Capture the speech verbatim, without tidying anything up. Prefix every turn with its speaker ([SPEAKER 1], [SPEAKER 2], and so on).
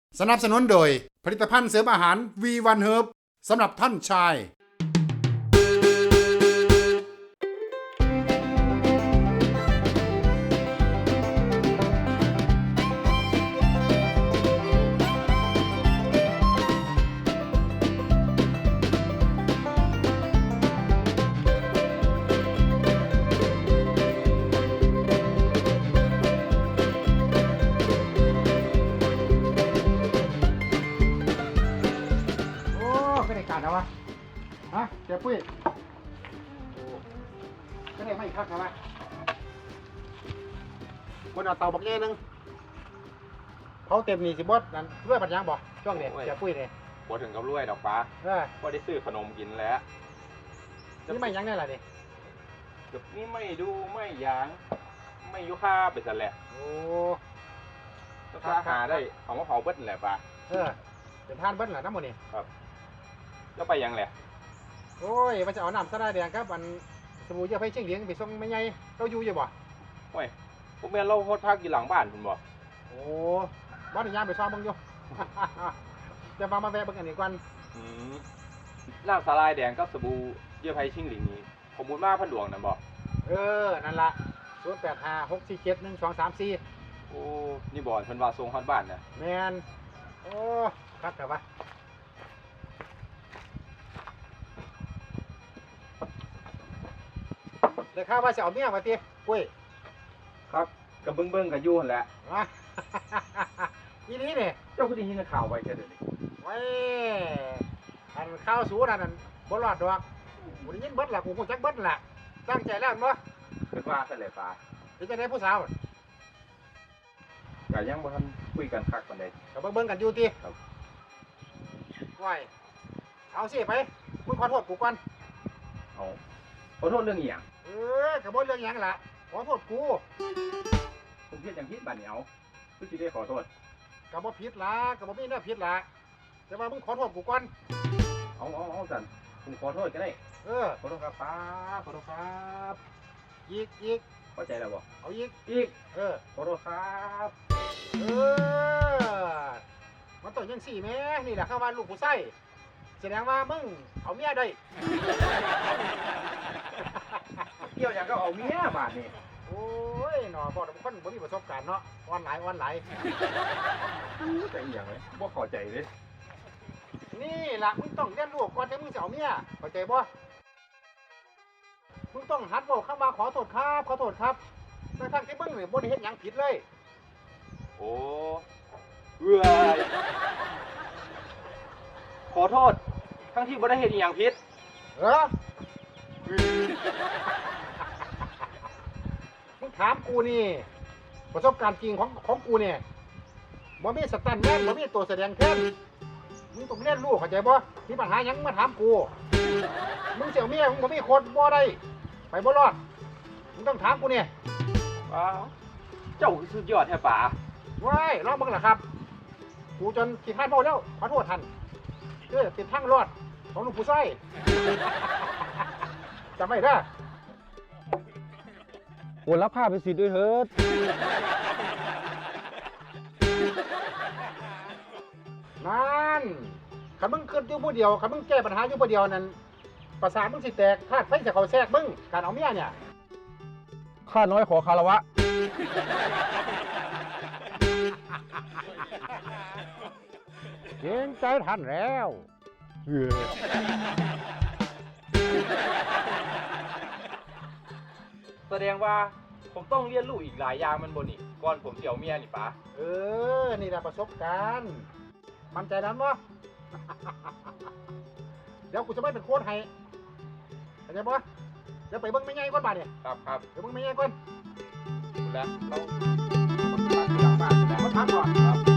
[SPEAKER 1] สนับสนุนโดยผลิตภัณฑ์เสริมอาหาร วี วัน Herb สำหรับท่านชายนะวะฮะเจ้าปุ้ยก็ได้ไม่คักนะวะคนเอาเตาบักเงี้ยนึงเขาเต็มนี่สิบดนั่นรวยปัญญาบ่ช่วงเด็กเจ้าปุ้ยเนี่ย
[SPEAKER 2] บ่ถึงกับรวยดอกป้าก็ได้ซื้อขนมกินแล้ว
[SPEAKER 1] นี่ไม่ยังได้ล่ะนี่
[SPEAKER 2] กับนี่ไม่ดูไม่ยางไม่ยุค่าไปซะแหละ
[SPEAKER 1] โอ้
[SPEAKER 2] ถ้าหาได้ของมะพร้าวเบิ้ลแหละป้า
[SPEAKER 1] เออเป็นท่านเบิ้ลแหละทั้งหมดนี่
[SPEAKER 2] ครับแล้วไปยังแหละ
[SPEAKER 1] โอ้ยมันจะเอาน้ำสะได้แดงครับมันสบู่เยอะไปเชียงเลี้ยงไปส่งไม่ไงเราอยู่อยู่บ่
[SPEAKER 2] โอ้ยพวกแม่เราโคตรพักอยู่หลังบ้านคุณบ่
[SPEAKER 1] โอ้บ้านย่างไปซ้อมบังอยู่จะมามาแวะบังกันอีกวัน
[SPEAKER 2] น้ำสาลายแดงกับสบู่เยื่อไผ่ชิงหลิงนี้ผมมูลมาพันหลวงนะบ่
[SPEAKER 1] เออนั่นละศูนย์แปดห้าหกสี่เจ็ดหนึ่งสองสามสี่
[SPEAKER 2] โอ้นี่บ่อนเพิ่นว่าส่งฮอดบ้านนะ
[SPEAKER 1] แมนโอ้ครับแต่ว่าแต่ข้าว่าจะเอาเมียมาตีปุ้ย
[SPEAKER 2] ครับกับเบิ้งเบิ้งกับยูนแหละ
[SPEAKER 1] ทีนี้เนี่ย
[SPEAKER 2] เจ้าคุณได้ยินข่าวไว้แค่เดี๋ยวนี้
[SPEAKER 1] ไว้อันข้าวสูนั่นนั่นบนหลอดดอกกูได้ยินเบิ้ลละกูคงจักเบิ้ลละตั้งใจแล้วมั้ง
[SPEAKER 2] เป็นว่าเสร็จป่า
[SPEAKER 1] เป็นจะได้ผู้สาว
[SPEAKER 2] ก็ยังบ่ทันคุยกันคักปานใด
[SPEAKER 1] กับเบิ้งกันอยู่ตีครับไว้เอาสิไปมึงขอโทษกูก่อน
[SPEAKER 2] เอาขอโทษเรื่องอีหยัง
[SPEAKER 1] เออกับบ่เรื่องหยังล่ะขอโทษกู
[SPEAKER 2] ผมผิดอย่างผิดบัดนี้เอาคือสิได้ขอโทษ
[SPEAKER 1] กับบ่ผิดล่ะกับบ่มีแนวผิดล่ะแต่ว่ามึงขอโทษกูก่อน
[SPEAKER 2] เอาเอาเอาสั่นผมขอโทษก็ได้
[SPEAKER 1] เออ
[SPEAKER 2] ขอโทษครับป้าขอโทษครับ
[SPEAKER 1] อีกอีก
[SPEAKER 2] เข้าใจแล้วบ่
[SPEAKER 1] เอาอีก
[SPEAKER 2] อีก
[SPEAKER 1] เออ
[SPEAKER 2] ขอโทษครับ
[SPEAKER 1] เออมันต้องยังสี่แม่นี่แหละเข้ามาลูกผู้ไส้แสดงว่ามึงเอาเมียได้
[SPEAKER 2] เกี่ยวอย่างก็เอาเมียบาดนี่
[SPEAKER 1] โอ้ยหนอบอกแต่คนบ่มีประสบการณ์เนาะอ่อนหลายอ่อนหลาย
[SPEAKER 2] ใจอย่างไรบ่เข้าใจเลย
[SPEAKER 1] นี่ล่ะมึงต้องเรียนรู้ก่อนที่มึงจะเอาเมียเข้าใจบ่มึงต้องหัดบอกเข้ามาขอโทษครับขอโทษครับในทางที่มึงเนี่ยบ่ได้เฮ็ดหยังผิดเลย
[SPEAKER 2] โอ้เอื้อยขอโทษทั้งที่บ่ได้เฮ็ดอีหยังผิด
[SPEAKER 1] เออมึงถามกูนี่ประสบการณ์จริงของของกูเนี่ยบ่มีสแตนด์แมนบ่มีตัวแสดงแทนมึงต้องเรียนรู้เข้าใจบ่มีปัญหาหยังมาถามกูมึงเสี่ยวเมียมึงบ่มีคนบ่ได้ไปบ่รอดมึงต้องถามกูเนี่ย
[SPEAKER 2] ว้าวเจ้าสุดยอดแท้ป๋า
[SPEAKER 1] ว้ายรอมึงล่ะครับกูจนขี้คร้านเมาแล้วขอโทษท่านเออติดทางรอดของลูกผู้ไส้จำไม่ได้
[SPEAKER 2] โอนรับค่าเป็นสิทธิ์ด้วยเถิด
[SPEAKER 1] นั่นขันมึงขึ้นอยู่ผู้เดียวขันมึงแก้ปัญหาอยู่ผู้เดียวนั่นประสาทมึงสิแตกธาตุไฟจะเขาแทรกมึงการเอาเมียเนี่ย
[SPEAKER 2] ข้าน้อยขอคารวะ
[SPEAKER 1] เกรงใจท่านแล้ว
[SPEAKER 2] แสดงว่าผมต้องเรียนรู้อีกหลายอย่างมันบนนี่ก่อนผมเสี่ยวเมียนี่ป๋า
[SPEAKER 1] เออนี่แหละประสบการณ์มั่นใจนั้นวะเดี๋ยวกูจะไม่เป็นโค้ชให้เข้าใจปะเดี๋ยวไปเบิ้งไม่ง่ายก่อนบ้านเนี่ย
[SPEAKER 2] ครับครับ
[SPEAKER 1] เดี๋ยวเบิ้งไม่ง่ายก่อน
[SPEAKER 2] แล้วเราพักหลังบ้านแล้ว
[SPEAKER 1] พักก่อน
[SPEAKER 2] ครับ